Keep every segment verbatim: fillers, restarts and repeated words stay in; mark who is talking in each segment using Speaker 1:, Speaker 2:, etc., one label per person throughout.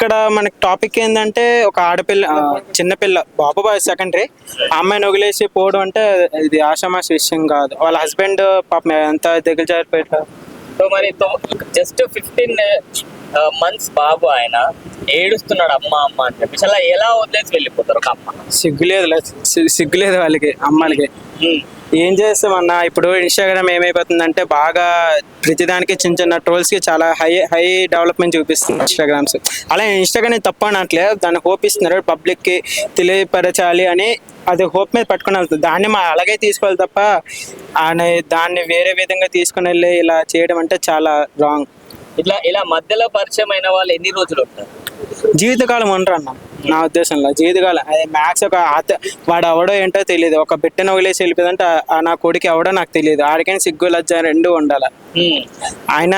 Speaker 1: ఇక్కడ మనకి టాపిక్ ఏంటంటే ఒక ఆడపిల్ల ఆ, చిన్నపిల్ల బాబు బాయ్ సెకండరీ అమ్మాయిని వదిలేసి పోవడం అంటే ఇది ఆషామాషి విషయం కాదు. వాళ్ళ హస్బెండ్ పాపం ఎంత దగ్గర జారిపోయారు.
Speaker 2: సో మరి జస్ట్ ఫిఫ్టీన్ మంత్స్ బాబు ఆయన ఏడుస్తున్నాడు అమ్మ అమ్మ అని చెప్పేసి అలా ఎలా వదిలేసి వెళ్ళిపోతారు ఒక అమ్మ?
Speaker 1: సిగ్గులేదు సి- సిగ్గులేదు వాళ్ళకి అమ్మాయిలకి. ఏం చేస్తామన్నా ఇప్పుడు ఇన్స్టాగ్రామ్ ఏమైపోతుందంటే బాగా ప్రతిదానికి చిన్న చిన్న ట్రోల్స్కి చాలా హై హై డెవలప్మెంట్ చూపిస్తుంది ఇన్స్టాగ్రామ్స్. అలా ఇన్స్టాగ్రామ్ తప్ప అనట్లే, దాన్ని హోప్ ఇస్తున్నారు పబ్లిక్కి తెలియపరచాలి అని. అది హోప్ మీద పట్టుకుని వెళ్తుంది, దాన్ని మా అలాగే తీసుకోవాలి తప్ప ఆయన దాన్ని వేరే విధంగా తీసుకుని వెళ్ళి ఇలా చేయడం అంటే చాలా రాంగ్.
Speaker 2: ఇట్లా ఇలా మధ్యలో పరిచయం అయిన వాళ్ళు ఎన్ని రోజులు ఉంటారు?
Speaker 1: జీవితకాలం ఉండరు అన్న నా ఉద్దేశంలో. జీవితకాలం అదే మ్యాథ్స్ ఒక ఆత వాడు ఎవడో ఏంటో తెలియదు, ఒక బిడ్డను వదిలేసి వెళ్ళిపోయిందంటే ఆ నా కొడుకు ఎవడో నాకు తెలియదు. ఆడికైనా సిగ్గు లజ్జ రెండు ఉండాలి. ఆయన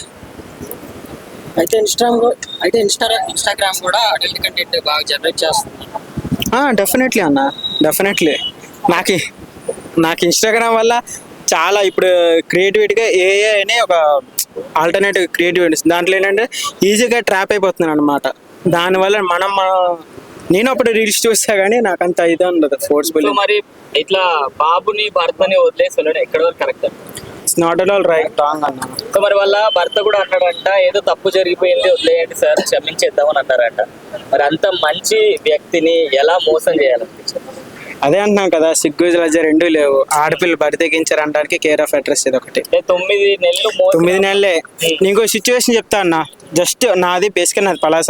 Speaker 3: అయితే ఇన్స్టాగ్రామ్ అయితే ఇన్స్టా ఇన్స్టాగ్రామ్ కూడా అడల్ట్ కంటెంట్ బాగా జనరేట్ చేస్తుంది.
Speaker 1: డెఫినెట్లీ అన్న, డెఫినెట్లీ. నాకు నాకు ఇన్స్టాగ్రామ్ వల్ల చాలా ఇప్పుడు క్రియేటివిటీగా ఏఏ అనే ఒక ఆల్టర్నేటివ్ క్రియేటివిటీ దాంట్లో ఏంటంటే ఈజీగా ట్రాప్ అయిపోతున్నాను అనమాట. దానివల్ల మనం మన- నేను అప్పుడు రీల్స్ చూస్తా కానీ నాకు అంత ఇది ఉండదు ఫోర్స్ఫుల్.
Speaker 2: సో మరి ఇట్లా బాబుని భర్తని వదిలేసి వెళ్ళడం ఎక్కడ వరకు correct?
Speaker 1: It's not at all right, wrong అన్న.
Speaker 2: సో మరి వాళ్ళ భర్త కూడా అన్నాడంట ఏదో తప్పు జరిగిపోయింది వదిలేయండి సార్ క్షమించేద్దామని అన్నారంట. మరి అంత మంచి వ్యక్తిని ఎలా మోసం చేయాలనిపించారు?
Speaker 1: అదే అంటున్నాం కదా, సిగ్గు లజ్జ రెండూ లేవు. ఆడపిల్లలు బరి తెగించారు అనడానికి కేర్ ఆఫ్ అడ్రస్ ఇది ఒకటి.
Speaker 2: అంటే తొమ్మిది నెలలు మోసం.
Speaker 1: తొమ్మిది నెలలే. నీకు సిచ్యువేషన్ చెప్తా అన్న, జస్ట్ నాది బేసిక్గా నాది పలాస.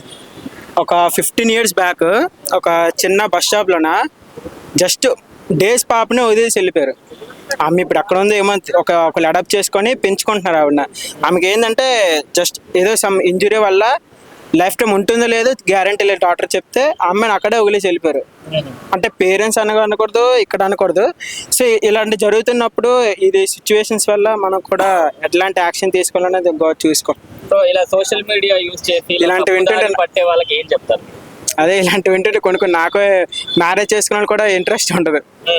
Speaker 1: ఒక ఫిఫ్టీన్ ఇయర్స్ బ్యాక్ ఒక చిన్న బస్ స్టాప్లోన జస్ట్ డేస్ పాపని వదిలేసి వెళ్ళిపోయారు. ఆమె ఇప్పుడు అక్కడ ఉంది ఏమో ఒక ఒకళ్ళు అడాప్ట్ చేసుకొని పెంచుకుంటున్నారు ఆవిడ. ఆమెకి ఏంటంటే జస్ట్ ఏదో సమ్ ఇంజురీ వల్ల లైఫ్ టైం ఉంటుందో లేదో గ్యారంటీ లేదు డాక్టర్ చెప్తే ఆ అమ్మాయిని అక్కడే వదిలేసి వెళ్ళిపోయారు. అంటే పేరెంట్స్ అనగా అనకూడదు, ఇక్కడ అనకూడదు. సో ఇలాంటి జరుగుతున్నప్పుడు ఇది సిచ్యువేషన్స్ వల్ల మనం కూడా ఎట్లాంటి యాక్షన్ తీసుకోవాలనేది గో- చూసుకో.
Speaker 2: సో ఇలా సోషల్ మీడియా యూజ్ చేసి
Speaker 1: ఇలాంటి
Speaker 2: తప్పు
Speaker 1: వింటుంటే-
Speaker 2: దారి పట్టే వాళ్ళకి ఏం చెప్తారు?
Speaker 1: అదే ఇలాంటి వింటుంటే కొన్ని కొన్ని నాకు మ్యారేజ్ చేసుకున్న కూడా ఇంట్రెస్ట్ ఉంటుంది.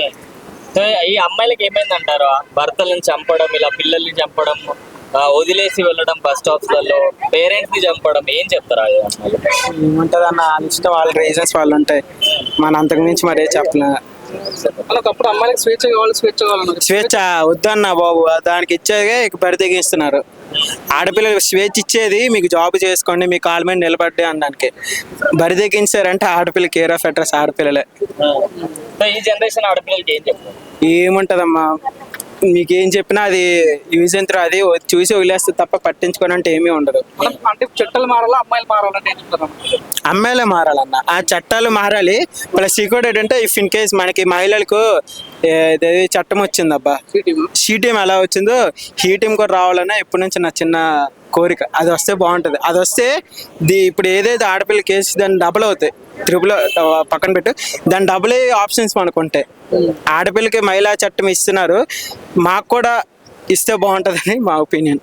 Speaker 2: సో ఈ అమ్మాయిలకి ఏమైంది అంటారు? భర్తలను చంపడం, ఇలా పిల్లల్ని చంపడం, ఆ, వదిలేసి వెళ్ళడం బస్ స్టాప్స్ లలో, పేరెంట్స్ ని చంపడం, ఏం చెప్తారు ఆ అమ్మాయిలు?
Speaker 1: ఏముంటుంది అన్న, వాళ్ళ ఇష్టం, వాళ్ళ రీజన్స్ వాళ్ళు ఉంటాయి. మన అంతకు మించి మరే చెప్పలే.
Speaker 3: ఒకప్పుడు అమ్మాయిలకు స్వేచ్ఛ కావాలి స్వేచ్ఛ కావాలన్నారు.
Speaker 1: స్వేచ్ఛ వద్దన్న బాబు, దానికి ఇచ్చేదే ఇక బరి తెగిస్తున్నారు. ఆడపిల్లలకు స్వేచ్ఛ ఇచ్చేది మీకు జాబ్ చేసుకోండి, మీ కాళ్ళ మీద నిలబడ్డే అనడానికి. బరి తెగించారంటే ఆడపిల్ల కేర్ ఆఫ్ అడ్రస్ ఆడపిల్లలే.
Speaker 2: సో ఈ జనరేషన్ ఆడపిల్లలకి ఏం చెప్తారు?
Speaker 1: ఏముంటదమ్మా, మీకేం చెప్పినా అది యూజ్ ఎంత అది చూసి వదిలేస్తే తప్ప పట్టించుకొని అంటే ఏమీ ఉండదు.
Speaker 3: అంటే చట్టాలు మారాలా అమ్మాయిలు మారాలంటే ఏం చెప్తారు?
Speaker 1: అమ్మాయిలే మారాలన్న, ఆ చట్టాలు మారాలి. ప్లస్ ఇంకోటి ఏంటంటే ఇఫ్ ఇన్ కేస్ మనకి మహిళలకు ఏది చట్టం వచ్చిందబ్బా, షీ టీమ్ ఎలా వచ్చిందో హీ టీమ్ కూడా రావాలన్నా ఎప్పటి నుంచి నా చిన్న కోరిక. అది వస్తే బాగుంటుంది. అది వస్తే ది ఇప్పుడు ఏదైతే ఆడపిల్ల కేసు దాన్ని డబుల్ అవుతాయి, త్రిపుల్ పక్కన పెట్టు, దాని డబుల్ ఆప్షన్స్ మనకు ఉంటాయి. ఆడపిల్లకి మహిళా చట్టం ఇస్తున్నారు, మాకు కూడా ఇస్తే బాగుంటుందని మా ఒపీనియన్.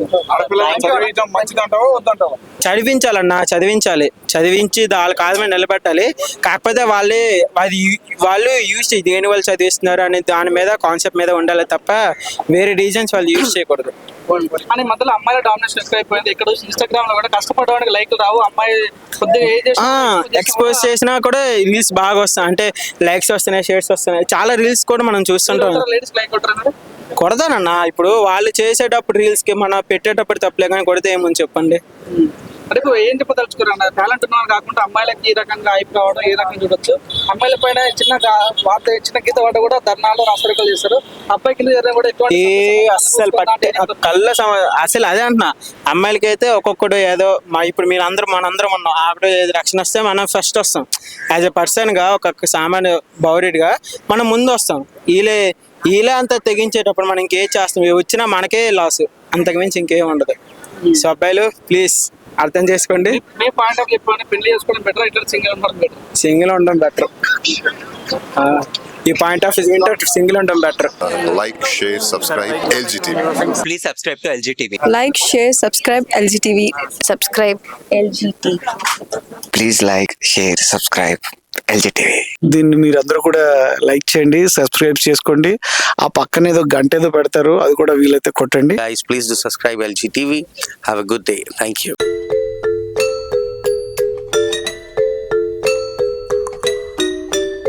Speaker 1: చదివించాలన్నా, చదివించాలి, చదివించి వాళ్ళ కాదు మీద నిలబెట్టాలి. కాకపోతే వాళ్ళే అది వాళ్ళు యూజ్ దేని వాళ్ళు చదివిస్తున్నారు అనే దాని మీద కాన్సెప్ట్ మీద ఉండాలి తప్ప వేరే రీజన్స్ వాళ్ళు యూజ్ చేయకూడదు.
Speaker 3: అని మధ్యలో అమ్మాయిల డామినేషన్ ఎక్కువ అయిపోయింది. ఇక్కడ ఇన్స్టాగ్రామ్ లో కూడా కష్టపడడానికి లైక్లు రావు, అమ్మాయి కొద్దిగా ఏజ్
Speaker 1: ఎక్స్పోజ్ చేసినా కూడా రీల్స్ బాగా వస్తాయి, అంటే లైక్స్ వస్తున్నాయి, షేర్స్ వస్తున్నాయి. చాలా రీల్స్ కూడా మనం చూస్తుంటాం.
Speaker 3: లేడీస్ లైక్ కొట్టారు.
Speaker 1: కొడతానన్నా, ఇప్పుడు వాళ్ళు చేసేటప్పుడు రీల్స్ కి మనం పెట్టేటప్పుడు తప్పలే కానీ కొడితే ఏముంది చెప్పండి.
Speaker 3: అంటే ఇప్పుడు ఏం చెప్పదలుచుకున్నారు? టాలెంట్ ఉన్న వాళ్ళు కాకుండా అమ్మాయిలకి ఈ రకంగా హైప్ రావడం ఈ రకంగా చూడొచ్చు. అమ్మాయిల పైన చిన్న గా- వార్త చిన్న గీత వాట కూడా ధర్నాలు రాష్ట్రీకలు చేస్తారు. అబ్బాయి కింద జరిగిన కూడా ఎటువంటి
Speaker 1: ఏ అస్సలు పట్టే కళ్ళ సమ అసలు అదే అంటున్నా, అమ్మాయిలకి అయితే ఒక్కొక్కడు ఏదో మా ఇప్పుడు మీరు అందరూ మనందరం ఉన్నాం, ఆవిడ ఏది రక్షణ వస్తే మనం ఫస్ట్ వస్తాం. యాజ్ ఎ పర్సన్ గా ఒక సామాన్య పౌరుడిగా మనం ముందు వస్తాం. వీళ్ళే వీళ్ళే అంతా తెగించేటప్పుడు మనం ఇంకేం చేస్తాం, ఇవి వచ్చినా మనకే లాస్, అంతకుమించి ఇంకేం ఉండదు. సో అబ్బాయిలు ప్లీజ్ అర్థం చేసుకోండి.
Speaker 3: మీ పాయింట్ ఆఫ్ చెప్పండి, పెళ్లి చేసుకోవడం బెటర్ ఇట్లా సింగిల్ ఉండడం బెటర్?
Speaker 1: సింగిల్ ఉండడం బెటర్. ఈ పాయింట్ ఆఫ్ వింటే సింగిల్ ఉండడం better.
Speaker 4: Like, share, subscribe L G T V.
Speaker 5: Please subscribe to L G T V.
Speaker 6: Like, share, subscribe L G T V. Subscribe L G T V.
Speaker 5: Please like, share, subscribe L G T V.
Speaker 7: దీన్ని మీరందరూ కూడా like చేయండి, subscribe చేసుకోండి. ఆ పక్కన ఏదో గంట ఏదో పెడతారు, అది కూడా వీలైతే కొట్టండి.
Speaker 5: Guys, please do subscribe L G T V. Have a good day. Thank you.